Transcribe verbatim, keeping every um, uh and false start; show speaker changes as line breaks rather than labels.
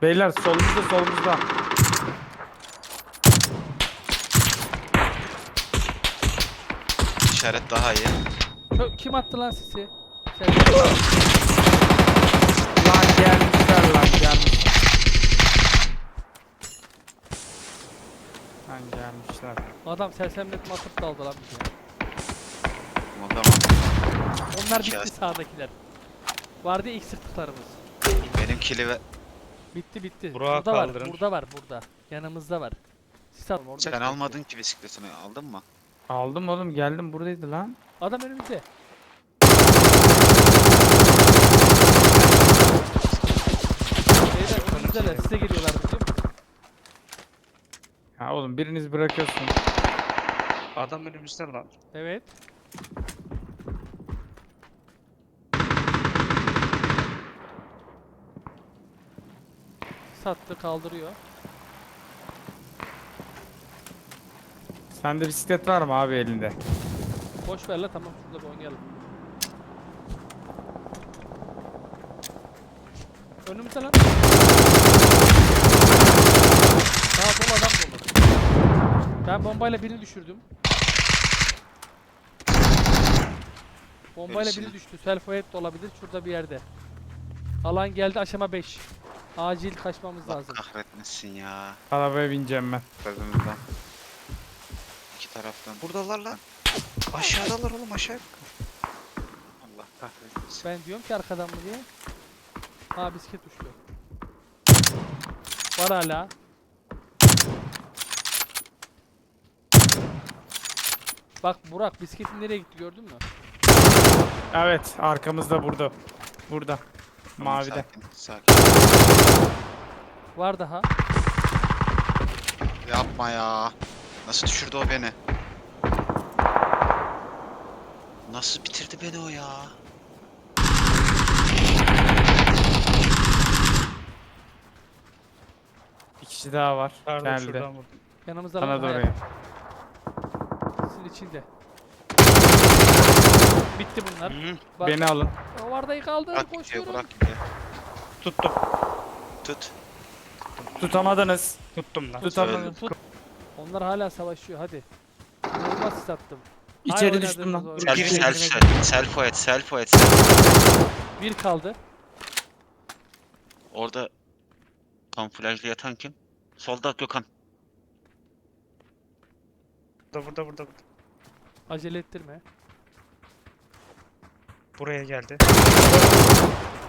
Beyler solumuzda solumuzda.
İşaret daha iyi.
Kö- Kim attı lan sisi? Sen
Lan gelmişler lan gelmişler. Lan gelmişler.
adam sersemletme atıp daldı lan bize.
O zaman
Onlar
İki
bitti
as-
sağdakiler. Vardı ya ilk sırtlıklarımız.
benim kili ve
Bitti bitti.
Burak'ı
burada var,
kaldırın.
burada var, burada. Yanımızda var. Sis atma orada.
sen
işte.
almadın ki bisikletini, aldın mı?
Aldım oğlum geldim buradaydı lan.
Adam önümüzde. Beyler önümüzdeler, size geliyorlar biliyor musun?
Ha oğlum biriniz bırakıyorsun.
Adam önümüzde lan.
Evet. Sattı, kaldırıyor.
Sende bisiklet var mı abi elinde?
Boş ver la, tamam şurada bir oynayalım. Önümüzde lan. Daha dolu adam dolu. Ben bombayla birini düşürdüm. Bombayla
Gerisini.
biri düştü. Self fire de olabilir şurada bir yerde. Alan geldi aşama beş. Acil kaçmamız
Allah
lazım.
kahretmesin ya.
Arabaya bineceğim ben.
Sözümüzden. İki taraftan.
Buradalar lan. Aşağıdalar oğlum, aşağı.
Allah kahretmesin.
Ben diyorum ki arkadan mı diye. Ha bisiklet düştü. Var hala. Bak Burak, bisikletin nereye gitti gördün mü?
Evet arkamızda burada. Burada.
Tamam,
Mavide.
Sakin, sakin.
Var daha.
Yapma ya. Nasıl düşürdü o beni? Nasıl bitirdi beni o ya?
Bir kişi daha var.
Pardon,
Geldi.
şuradan vurdum.
Yanımızda
Sana
lan,
da
hayır.
oraya.
Sizin içinde. Bitti bunlar.
Hı.
Bak,
Beni alın.
o Varda'yı kaldır,
Bırak gidiyor,
koşuyorum.
bırak gidiyor.
Tuttum.
Tut.
Tutamadınız.
Tuttum lan.
Tutamadınız.
Tut. Onlar hala savaşıyor, hadi. Normal sis attım.
İçeri
Hay
düştüm
oynadığımız
lan.
oyun.
Self,
Biri-
self,
birine-
self, self et, self et, self.
Bir kaldı.
Orada kamuflajlı yatan kim? Solda Gökhan.
Burada burada burada. burada.
Acele ettirme.
Buraya geldi.